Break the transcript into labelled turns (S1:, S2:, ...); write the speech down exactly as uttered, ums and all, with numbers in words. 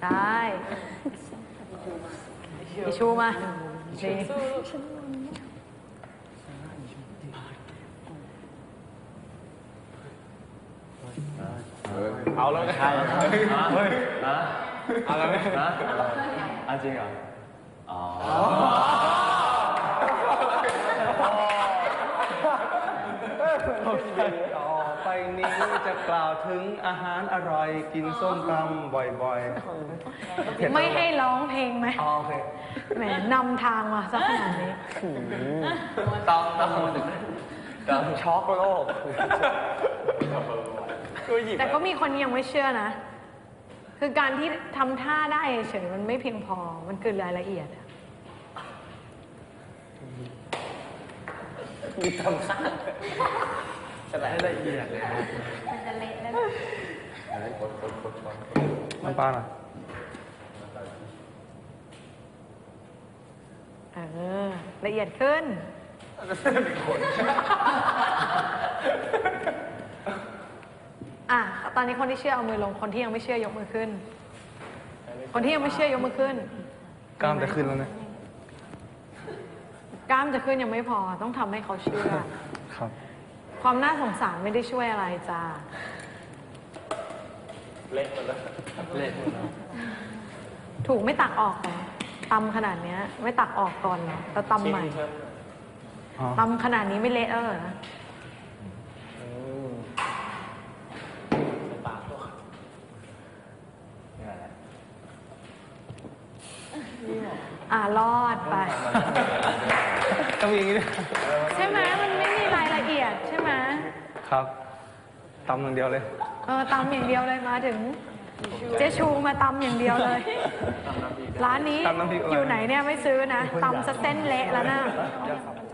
S1: ช่อิชูมาดี
S2: เอาแล้วใช่เฮ้ยเอาแล้วไหมอันจริงเหรออ๋อต่อไปนี้จะกล่าวถึงอาหารอร่อยกินส้มตำบ่อยๆ
S1: ไม่ให้ร้องเพลงไหม
S2: อ๋อโอเค
S1: แหมนำทางมาซะขนาดนี้
S2: ต้องต้องต้องช็อกโลก
S1: แต่ก็มีคนยังไม่เชื่อนะคือการที่ทำท่าได้เฉยมันไม่เพียงพอมันเกินรายละเอียดอะ
S2: มีทำท่าจะได้ละเอียดเลยมันจะเละแล้วน้ำปลาหน่อย
S1: เออละเอียดขึ้นอ่ะตอนนี้คนที่เชื่อเอามือลงคนที่ยังไม่เชื่อยกมือขึ้นคนที่ยังไม่เชื่อยกมือขึ้น
S2: กล้ามจะขึ้นแล้วนะ
S1: กล้ามจะขึ้นยังไม่พอต้องทำให้เขาเชื่อ
S2: ครับ
S1: ความน่าสงสารไม่ได้ช่วยอะไรจ้า
S2: เละหมดแล้วเละ
S1: ถูกไม่ตักออกเหรอตำขนาดนี้ไม่ตักออกก่อนเหรอแล้วตำใหม่ตำขนาดนี้ไม่เละเอออ่ารอดไป
S2: ต้องมีอย่างนี้
S1: ใช่ไหมมันไม่มีรายละเอียดใช่ไหม
S2: ครับตำอย่างเดียวเลย
S1: เออตำอย่างเดียวเลยมาถึงเจ๊ชูมาตำอย่างเดียวเลยร้านนี้อยู่ไหนเนี่ยไม่ซื้อนะตำสเส้นเละแล้วนะ